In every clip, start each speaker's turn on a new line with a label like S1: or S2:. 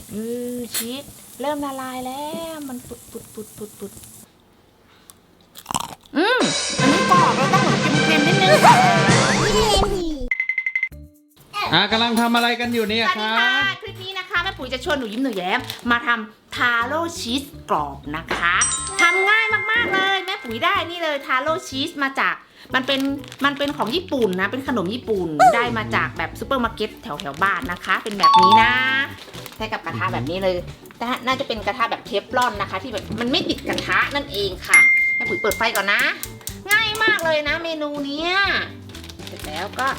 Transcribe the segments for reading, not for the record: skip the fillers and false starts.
S1: ชีสเริ่มละลายแล้วมันปุดอันนี้กรอบเราต้องเหมือนเค็มๆนิดนึง
S2: กำลังทำอะไรกันอยู่เนี่ย
S1: สวัส
S2: ค
S1: ดี
S2: รั
S1: ค่ะ
S2: บ
S1: คลิปนี้นะคะแม่ปุ๋ยจะชวนหนูยิ้มหนูแย้มมาทำทาโร่ชีสกรอบนะคะทำง่ายมากๆเลยแม่ปุ๋ยได้นี่เลยทาโร่ชีสมาจากมันเป็นของญี่ปุ่นนะเป็นขนมญี่ปุ่นได้มาจากแบบซูเปอร์มาร์เก็ตแถวบ้านนะคะ เป็นแบบนี้นะใช้กับกระทะแบบนี้เลยแต่น่าจะเป็นกระทะแบบเทฟลอนนะคะ ที่แบบมันไม่ติดกระทะนั่นเองค่ะแม่ปุ๋ยเปิดไฟก่อนนะง่ายมากเลยนะเมนูเนี้ยเสร็จแล้วก็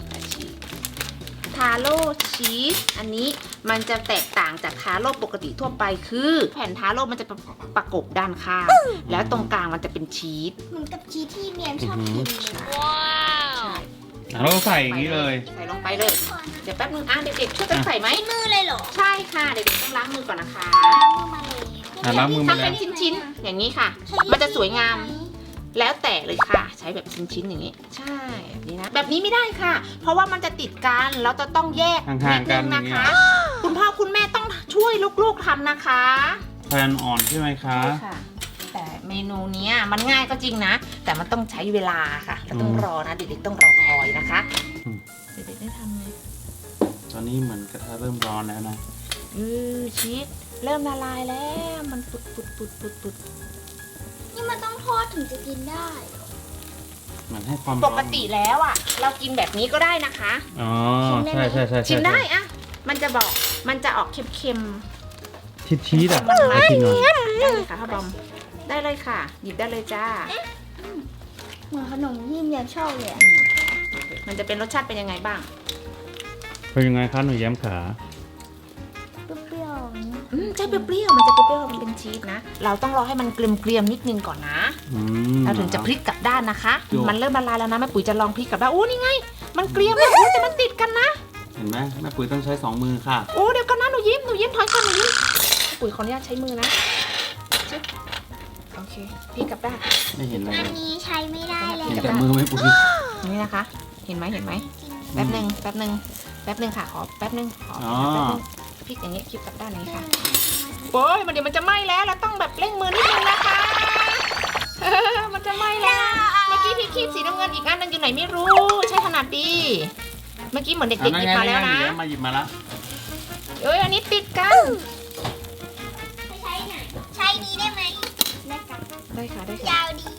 S1: ทาโร่ชีสอันนี้มันจะแตกต่างจากทาโร่ปกติทั่วไปคือแผ่นทาโร่มันจะประกบด้านข้างแล้วตรงกลางมันจะเป็นชีส
S3: เหมือนกับชีสที่เมียมชอบกินเลย
S1: ใช่
S2: เราใส่อย่างนี้เลย
S1: ใส่ลงไปเลย เดี๋ยวแป๊บนึงเด็กๆช่วยกันใส่ไหม
S3: มือเลยเหรอ
S1: ใช่ค่ะเด็กๆต้องล้างมือก่อนนะคะ
S3: ล้างมือมาเลย
S2: ล้างมือมา
S1: ทำเป็นชิ้นๆอย่างนี้ค่ะ มันจะสวยงาม แล้วแต่เลยค่ะ ใช้แบบชิ้นๆอย่างนี้ ใช่แบบนี้นะแบบนี้ไม่ได้ค่ะ เพราะว่ามันจะติดกันเราจะต้องแยก
S2: ห่างๆกัน
S1: ด
S2: อย่าง
S1: ง
S2: เงี้
S1: นะ
S2: ย
S1: คะ คุณพ่อคุณแม่ต้องช่วยลูกๆทำนะคะ
S2: แฟนอ่อนใช่ไหมคะ
S1: ใช่ค่ะ แต่เมนูเนี้ยมันง่ายก็จริงนะ แต่มันต้องใช้เวลาค่ะเราต้องรอนะเด็กๆต้องรอคอยนะคะเด็กๆได้ทำไหม
S2: ตอนนี้เหมือนกระทะเริ่มร้อนแล้วนะ
S1: ชีสเริ่มละลายแล้วมันปุด
S3: นี่มันต้องทอดถึงจะกินได้
S2: เหมือนให้ความ
S1: ป
S2: ร้อน
S1: กติแล้วอ่ะ เรากินแบบนี้ก็ได้นะคะ
S2: อ๋อ
S1: ชิมได้
S2: ใช่
S1: ไหม
S2: ใช่
S1: ชิมได้อะมันจะบอกมันจะออกเค็ม
S2: ชีสอ่ะ
S1: มัน
S2: เอาชิมหน่อย
S1: ๆได้เลยค่ะพ่อบอมได้เลยค่ะ หยิบได้เลยจ้า
S3: เหมือนขนมที่เมียมชอบเลยอะ
S1: มันจะเป็นรสชาติเป็นยังไงบ้าง
S2: เป็นยังไงคะหนูแย้มขา
S3: เปรี้ยวๆอย่างนี้
S1: ใช่เปรี้ยวๆมันจะเปรี้ยวๆมันเป็นชีสนะเราต้องรอให้มันเกรียมๆนิดนึงก่อนนะ เราถึงจะพลิกกลับด้านนะคะ มันเริ่มละลายแล้วนะแม่ปุ๋ยจะลองพลิกกลับด้านโอ้นี่ไง มันเกรียมแล้วแต่มันติดกันนะ
S2: เห็นไหมแม่ปุ๋ยต้องใช้2 มือค่ะ
S1: โอ้เดี๋ยวก่อนนะหนูยิ้มถอยก่อนหนูยิ้มปุ๋ยขออนุญาตใช้มือนะชึบโอเคพลิกกลับด้าน
S2: ไม่เห็นเลย
S3: อันนี้ใช้ไม่ได้เลย
S2: เห็นแต่มือแม่ปุ๋ย
S1: อย่างนี้นะคะ เห็นไหมแป๊บหนึ่งค่ะขอแป๊บหนึ่งขอ
S2: อ๋อ
S1: แป๊บนึงพลิกอย่างนี้พลิกกลับด้านอย่างนี้ค่ะโอ้ยเดี๋ยวมันจะไหม้แล้วเราต้องแบบเร่งมือนิดนึงนะคะ มันจะไหม้แล้วเมื่อกี้พี่คีบสีน้ำเงินอีกอันนึงอยู่ไหนไม่รู้ใช่ขนาดดีเมื่อกี้เหมือนเด็กๆหยิบมาแล้วนะ
S2: มาหยิบมาแล้ว
S1: เอ้ยอันนี้ติดกัน
S3: ไม่ใช้ไหนใช้นี้ได้ไหมได้ค่ะ
S1: ได้ค่ะ
S3: ยาวดี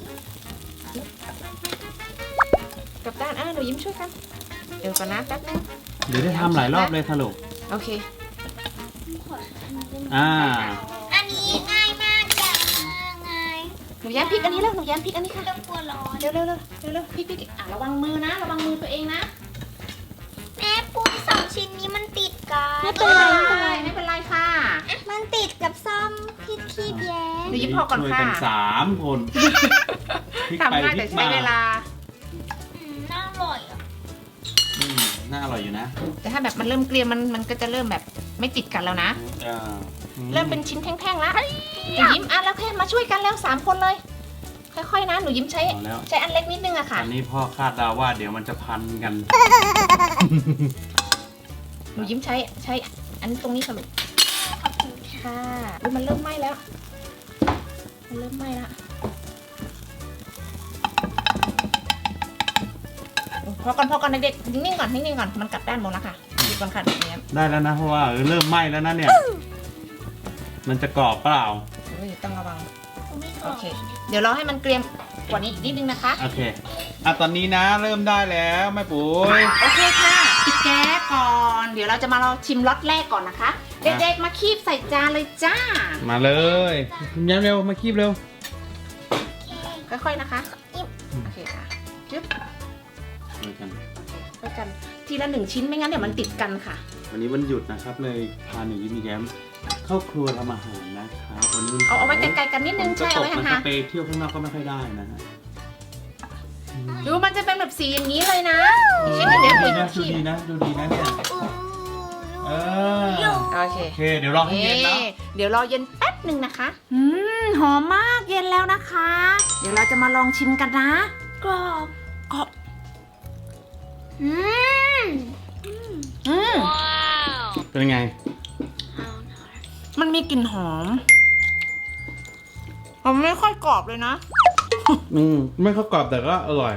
S1: กลับด้านหนูยิ้มช่วยกันเดี๋ยวก่อนนะแป๊บนึง
S2: เดี๋ยวได้ทำหลายรอบเลยค่ะลูก
S1: โอเค
S2: อ่า
S3: อันนี้ง่ายมากอย่างง่าย
S1: หนูแย้มพริกอันนี้แล้วหนูแย้มพริกอันนี้
S3: ไม่
S1: ค่ะ
S3: ต้องกลัวร้อน
S1: เร็วพริกระวังมือนะระวังมือตัวเองนะ
S3: แม่ปุ้ยสองชิ้นนี้มันติดกัน
S1: ไม่เป็นไรค่ะ
S3: มันติดกับซ่อมพี่คีบแย้ม
S1: หนูยิ้มพอก่อน
S2: ช่วย
S1: ค่ะ
S2: กัน3 คนพลิกไป
S1: ทำง่าย
S2: พลิ
S1: แต่
S2: ก
S1: ใช้
S2: มา
S1: เวลา
S3: น่าอร่อยอ่ะ
S2: น่าอร่อยอยู่นะ
S1: แต่ถ้าแบบมันเริ่มเกรียมมันก็จะเริ่มแบบไม่ติดกันแล้วนะ
S2: อ่า
S1: เริ่มเป็นชิ้นแท่งๆแล้วหนูยิ้มแล้วแค่มาช่วยกันแล้ว3 คนเลย ค่อยๆนะหนูยิ้มใช้
S2: เอาแล้ว
S1: อันเล็กนิดนึงอะค่ะ
S2: อันนี้พ่อคาดเดาว่าเดี๋ยวมันจะพันกัน
S1: หนูยิ้มใช้อันตรงนี้ค่ะลูกค่ะอุ๊ยมันเริ่มไหม้แล้วพอก่อนเด็กๆนิ่งๆก่อนมันกลับด้านหมดแล้วค่ะหยุดก่อนค่ะแบบนี้
S2: ได้แล้วนะเพราะว่าเริ่มไหม้แล้วนะเนี่ย มันจะกรอบเปล่า
S1: ต้องระวัง
S3: ไม่กร
S1: โอ
S3: อบ
S1: เค เดี๋ยวรอให้มันเกรียมกว่านี้อีกนิดนึงนะคะ
S2: โอเคตอนนี้นะเริ่มได้แล้วแม่ปุ๋ย
S1: โอเคค่ะปิดแก๊สก่อนเดี๋ยวเราจะมาเราชิมล็อตแรกก่อนนะคะ เด็กๆมาคีบใส่จานเลยจ้า
S2: มาเลยคุณแย้มเร็วมาคีบเร็ว
S1: ค่อยๆนะคะโอเคค่ะจึ๊บ
S2: ช่วยกัน
S1: ไปกันทีละ1 ชิ้นไม่งั้นเดี๋ยวมันติดกันค่ะ
S2: วันนี้วันหยุดนะครับเลยพาหนูยิ้มแย้มเข้าครัวทำอาหารนะครับวันนี้
S1: เอาไว้ไกลๆกันนิดนึง
S2: ฝ
S1: ใช่
S2: ต
S1: เอา
S2: ก
S1: ไว้
S2: มัน
S1: ห่าง
S2: จะไปเที่ยวข้างนอกก็ไม่ค่อยได้นะฮะ
S1: ๆดูมันจะเป็นแบบสีอย่างนี้เลยนะอีกชิ้นหนึงเดี๋ยว
S2: ดู
S1: ปุ๋ย
S2: ดีนะ
S1: คีบ
S2: ดูดีนะเนี่ยเออ
S1: โอเค
S2: โอเคเดี๋ยวรอให้เย็นนะ
S1: เดี๋ยวรอเย็นแป๊บหนึ่งนะคะหอมมากเย็นแล้วนะคะ เดี๋ยวเราจะมาลองชิมกันนะ
S3: กรอบ
S1: ก็
S3: อืม
S1: อืม
S2: เป็นไง
S1: มันมีกลิ่นหอมมันไม่ค่อยกรอบเลยนะ
S2: ไม่เข้ากรอบแต่ก็อร่อย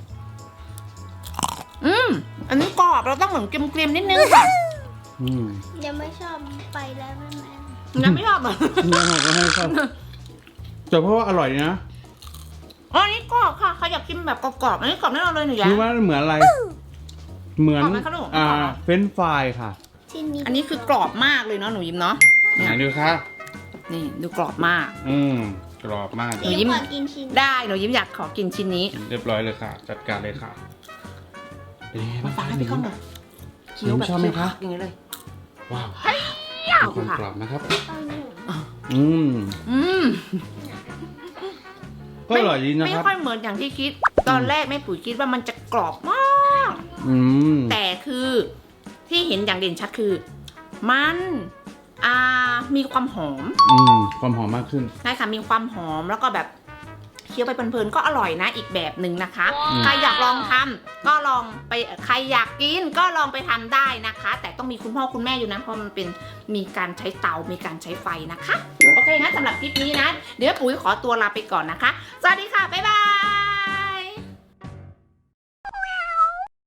S1: อันนี้กรอบเราต้องเหมือนเกรียมๆนิดนึงค่ะ
S3: ยังไม่ชอบไปแล้วแม่
S1: ยังไม่ชอบอ่ะ
S2: นี่ก็ให้ชอบแต่เพราะว่าอร่อยนะ
S1: อ๋ออันนี้กรอบค่ะใครอยากกินแบบกรอบๆอันนี้กรอบแน่นอนเลยหนูแย้
S2: คิด
S1: ม
S2: ว่าเหมือนอะไร เหมือน
S1: กรอบไหมคะลูกกรอบเหรอ
S2: เฟรนช์ฟรายค่ะ
S3: ชิ้นนี้
S1: อันนี้คือกรอบมากเลยเนาะหนูยิ้มเนาะ
S2: ไห
S1: เนี่ย
S2: นดูคะ
S1: นี่ดูกรอบมาก
S2: กรอบมาก
S1: หนูยิ้ม
S3: ขอกินชิ้น
S1: ได้หนูยิ้มอยากขอกินชิ้นนี้
S2: เรียบร้อยเลยค่ะ จัดการเลยค่ะเป็นยังไง
S1: มา
S2: บ้าง
S1: ฟังให้
S2: คะ
S1: พี่ก้องหน่อยเคี้ยวแบบ
S2: ชอบไหมคะ
S1: อย่างนี้เลย
S2: ว้าว
S1: ยาว
S2: มีความ
S1: ค่ะ
S2: กรอบนะครับ
S3: เอาหนึ่ง
S2: อืม
S1: อืม
S2: ก็อร่อยดีนะ
S1: ไม่
S2: ครับ
S1: ค่อยเหมือนอย่างที่คิด ตอนแรกแม่ปุ๋ยคิดว่ามันจะกรอบมาก
S2: อืม
S1: แต่คือที่เห็นอย่างเด่นชัดคือ มันมีความหอม
S2: ความหอมมากขึ้น
S1: ใช่ค่ะมีความหอมแล้วก็แบบเคี้ยวไปเพลินๆก็อร่อยนะอีกแบบหนึ่งนะคะ
S2: อืม
S1: ใครอยากลองทำก็ลองไปใครอยากกินก็ลองไปทำได้นะคะ แต่ต้องมีคุณพ่อคุณแม่อยู่นะเพราะมันเป็นมีการใช้เตามีการใช้ไฟนะคะโอเคงั้นสำหรับคลิปนี้นะเดี๋ยวปุ๋ยขอตัวลาไปก่อนนะคะสวัสดีค่ะบ๊ายบาย